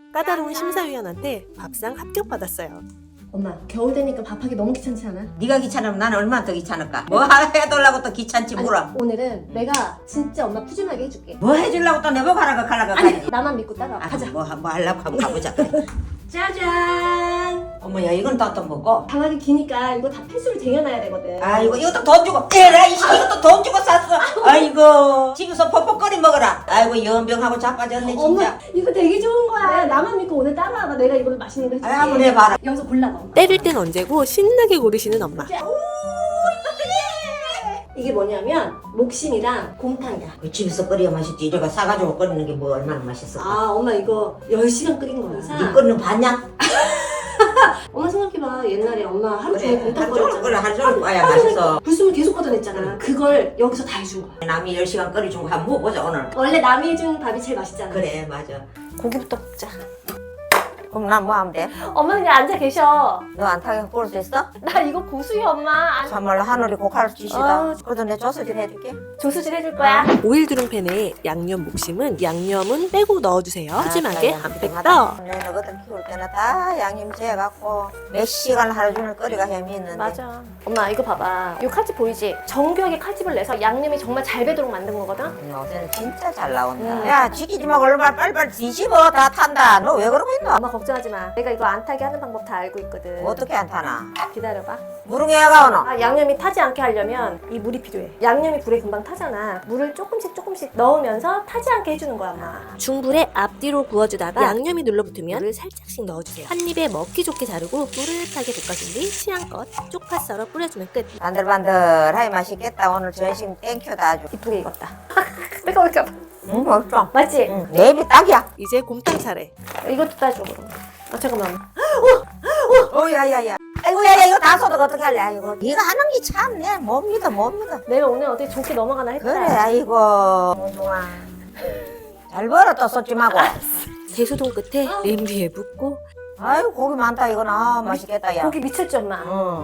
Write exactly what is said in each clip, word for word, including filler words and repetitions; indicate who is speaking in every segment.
Speaker 1: 까다로운 심사위원한테 밥상 합격받았어요.
Speaker 2: 엄마, 겨울 되니까 밥하기 너무 귀찮지 않아?
Speaker 3: 네가 귀찮으면 나는 얼마나 더 귀찮을까? 뭐 해달라고 또 귀찮지
Speaker 2: 아니,
Speaker 3: 물어.
Speaker 2: 오늘은 내가 진짜 엄마 푸짐하게 해줄게.
Speaker 3: 뭐 해주려고 또 내보고 하라고 가라고
Speaker 2: 아니,
Speaker 3: 가야지.
Speaker 2: 나만 믿고 따라와.
Speaker 3: 아,
Speaker 2: 가자.
Speaker 3: 뭐, 뭐 하려고 하면 가보자. 그래. 짜잔. 어머야 이건 또 또 먹고.
Speaker 2: 방학이 기니까 이거 다 필수로 쟁여놔야 되거든.
Speaker 3: 아이고 이것도 돈 주고 에라 이 이것도 돈 주고 샀어. 아이고 집에서 퍽퍽거리 먹어라. 아이고 연병하고 자빠졌네 진짜.
Speaker 2: 엄마, 이거 되게 좋은 거야. 나만 믿고 오늘 따라와봐. 내가 이걸로 맛있는 거 해줄게.
Speaker 3: 아, 한번 해봐라.
Speaker 2: 여기서 골라봐. 엄마.
Speaker 1: 때릴 땐 언제고 신나게 고르시는 엄마.
Speaker 2: 이게 뭐냐면 목심이랑 곰탕이야.
Speaker 3: 그 집에서 끓여야 맛있지. 이래가 싸가지고 끓이는 게 뭐 얼마나 맛있어.
Speaker 2: 아, 엄마 이거 열 시간 끓인 거야.
Speaker 3: 네 끓는 거 봤냐?
Speaker 2: 엄마 생각해봐. 옛날에 엄마 하루
Speaker 3: 그래
Speaker 2: 종일 곰탕
Speaker 3: 하루 종일 끓여
Speaker 2: 끓였잖아.
Speaker 3: 하루 종일 끓여야
Speaker 2: 하루 종일
Speaker 3: 맛있어.
Speaker 2: 불숨을 계속 걷어냈잖아. 그걸 여기서 다 해준 거야.
Speaker 3: 남이 열 시간 끓여준 거 한번 먹어보자 오늘.
Speaker 2: 원래 남이 해준 밥이 제일 맛있잖아.
Speaker 3: 그래 맞아.
Speaker 2: 고기부터 먹자.
Speaker 3: 그럼 난 뭐 하면 돼?
Speaker 2: 엄마 그냥 앉아 계셔.
Speaker 3: 너 안 타게 볼 수 있어?
Speaker 2: 나 이거 고수야 엄마.
Speaker 3: 정말로 하늘이 고칼 주시다.
Speaker 2: 아유.
Speaker 3: 그래도 내 조수질 해줄게.
Speaker 2: 조수질 해줄 거야.
Speaker 1: 오일 두릉팬에 양념 목심은 양념은 빼고 넣어주세요. 푸짐하게
Speaker 3: 아,
Speaker 1: 한 팩 더.
Speaker 3: 내 너거든 키울 때는 다 양념제 해갖고 몇 시간 하루 종일 끓이가 햄이 있는데.
Speaker 2: 맞아. 엄마 이거 봐봐. 이 칼집 보이지? 정교하게 칼집을 내서 양념이 정말 잘 배도록 만든 거거든.
Speaker 3: 요새는 진짜 잘 나온다.
Speaker 2: 음.
Speaker 3: 야 지키지 말고 얼마나 빨리빨리 뒤집어. 다 탄다. 너 왜 그러고 있노?
Speaker 2: 엄마 걱정하지 마. 내가 이거 안 타게 하는 방법 다 알고 있거든.
Speaker 3: 어떻게 안 타나?
Speaker 2: 기다려봐.
Speaker 3: 무릉해가 오노?
Speaker 2: 아, 양념이 타지 않게 하려면 이 물이 필요해. 양념이 불에 금방 타잖아. 물을 조금씩 조금씩 넣으면서 타지 않게 해주는 거야, 엄마.
Speaker 1: 중불에 앞뒤로 구워주다가 양념이 눌러붙으면 물을 살짝씩 넣어주세요. 한 입에 먹기 좋게 자르고 노릇하게 볶아준 뒤 취향껏 쪽파 썰어 뿌려주면 끝.
Speaker 3: 반들반들하게 맛있겠다. 오늘 전심 땡큐다 아주.
Speaker 2: 이쁘게 익었다. 내가 왜 이렇게
Speaker 3: 응 맛있어.
Speaker 2: 맞지?
Speaker 3: 응, 내 입이 딱이야.
Speaker 1: 이제 곰탕 차례.
Speaker 2: 이것도 따줘 그럼. 아 잠깐만.
Speaker 3: 어, 야야야. 아이고, 야야, 이거 다 쏟아 어떻게 할래? 아이고, 네가 하는 게 참, 내 못 믿어, 못 믿어.
Speaker 2: 내가 오늘 어떻게 좋게 넘어가나 했다.
Speaker 3: 그래, 아이고, 좋아. 잘 벌어, 또 쏟지 말고.
Speaker 1: 대소동 끝에 냄비에 붓고
Speaker 3: 아이고, 고기 많다, 이건. 아, 맛있겠다, 야.
Speaker 2: 고기 미쳤지 엄마.
Speaker 3: 응.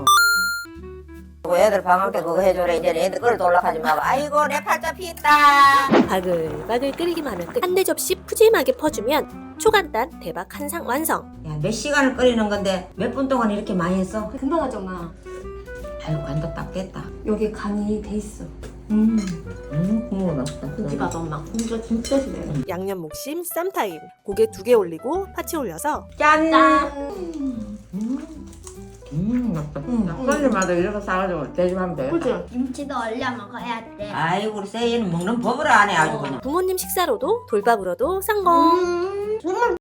Speaker 3: 그리고 애들 방학 때 그거 해줘라. 이제 애들 끌어 올라가지 말고. 아이고, 내 팔자 피했다.
Speaker 1: 바글바글 끓이기만 하면 끝. 한 대 접시 푸짐하게 퍼주면 초간단 대박 한상 완성.
Speaker 3: 야, 몇 시간을 끓이는 건데 몇 분 동안 이렇게 많이 했어?
Speaker 2: 금방 하죠 엄마.
Speaker 3: 아이고, 간도 딱 됐다.
Speaker 2: 여기 간이 돼 있어.
Speaker 3: 음, 음, 국물 맛있다.
Speaker 2: 고기 봐봐 엄마. 고기가 진짜 진해.
Speaker 1: 양념 목심 쌈타임. 고개 두 개 올리고 파채 올려서
Speaker 3: 짠!
Speaker 2: 짠.
Speaker 3: 음, 음, 맛있다.
Speaker 2: 음.
Speaker 3: 손님마다 이렇게 싸가지고 대접하면 돼.
Speaker 2: 그치?
Speaker 4: 김치도 얼려 먹어야 돼.
Speaker 3: 아이고, 우리 세이는 먹는 법을 안 해, 아주 그냥.
Speaker 1: 부모님 식사로도 돌밥으로도 성공.
Speaker 4: 음.